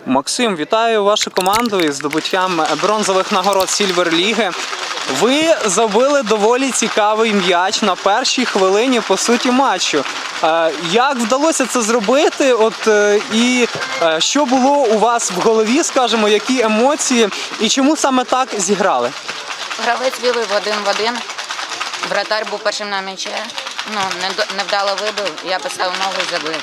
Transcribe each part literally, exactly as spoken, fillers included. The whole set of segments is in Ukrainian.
Максим, вітаю вашу команду із здобуттям бронзових нагород Сільвер-ліги. Ви забили доволі цікавий м'яч на першій хвилині, по суті, матчу. Як вдалося це зробити? От, і що було у вас в голові, скажімо, які емоції, і чому саме так зіграли? Гравець вів один в один, вратар був першим на м'ячі, ну, невдало вибив, я поставив ногу і забив.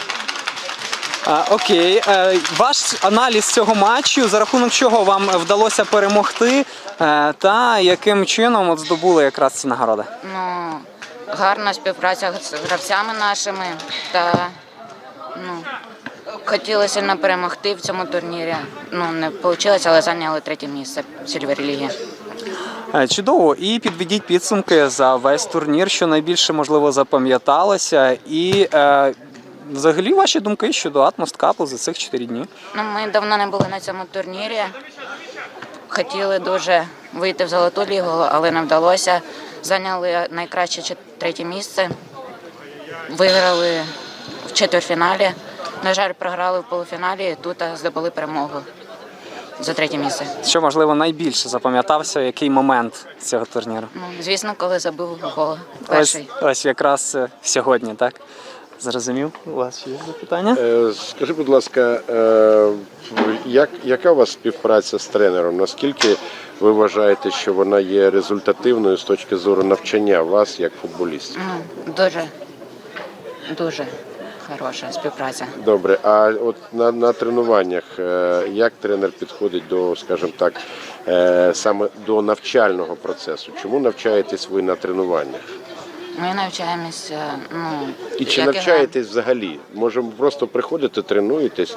А, окей. А, ваш аналіз цього матчу, за рахунок чого вам вдалося перемогти, а, та яким чином от здобули якраз ці нагороди? Ну, гарна співпраця з гравцями нашими, та ну, хотіли сильно перемогти в цьому турнірі. Ну, не вийшло, але зайняли третє місце в Сільвер-лігі. Чудово. І підведіть підсумки за весь турнір, що найбільше, можливо, запам'яталося. І е, взагалі ваші думки щодо Атмосткапу за цих чотири дні? Ну, ми давно не були на цьому турнірі. Хотіли дуже вийти в Золоту лігу, але не вдалося. Зайняли найкраще третє місце. Виграли в четвертьфіналі. На жаль, програли в полуфіналі, тут здобули перемогу за третє місце. Що, можливо, найбільше запам'ятався, який момент цього турніру? Ну, звісно, коли забив гол перший. Ось, ось якраз сьогодні, так? Зрозумів? У вас ще є запитання? Е, скажи, будь ласка, е, як, яка у вас співпраця з тренером? Наскільки ви вважаєте, що вона є результативною з точки зору навчання вас як футболістів? Ну, дуже, дуже хороша співпраця. Добре, а от на, на тренуваннях, е, як тренер підходить до, скажімо так, е, саме до навчального процесу? Чому навчаєтесь ви на тренуваннях? Ми навчаємося, ну... І чи як навчаєтесь взагалі? Може, просто приходите, тренуєтесь,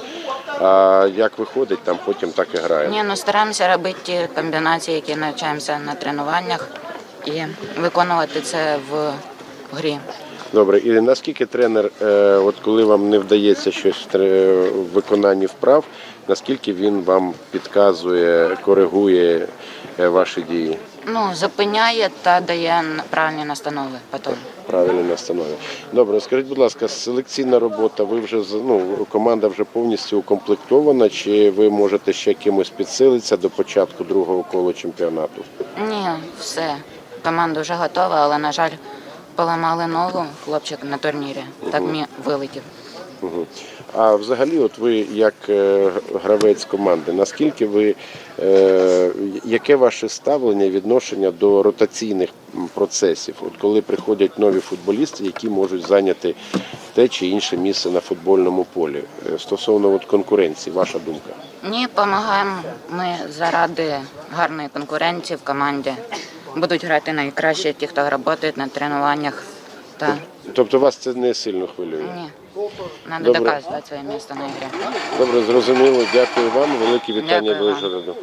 а як виходить, там потім так і граєте? Ні, ну стараємося робити ті комбінації, які навчаємося на тренуваннях, і виконувати це в грі. Добре, і наскільки тренер, от коли вам не вдається щось в виконанні вправ, наскільки він вам підказує, коригує ваші дії? Ну, зупиняє та дає правильні настанови потім. Правильні настанови. Добре, скажіть, будь ласка, селекційна робота, ви вже, ну, команда вже повністю укомплектована, чи ви можете ще кимось підсилитися до початку другого кола чемпіонату? Ні, все. Команда вже готова, але, на жаль, поламали ногу хлопчик на турнірі. Так мені вилетів. Угу. А взагалі, от ви як е, гравець команди, наскільки ви, е, яке ваше ставлення, відношення до ротаційних процесів? От коли приходять нові футболісти, які можуть зайняти те чи інше місце на футбольному полі? Стосовно от конкуренції, ваша думка? Ні, допомагаємо ми заради гарної конкуренції в команді. Будуть грати найкраще ті, хто працює на тренуваннях. Та... Тобто вас це не сильно хвилює? Ні. Треба доказувати своє місце на ігрі. Добре, зрозуміло. Дякую вам. Велике вітання Дякую вам. Вишгороду.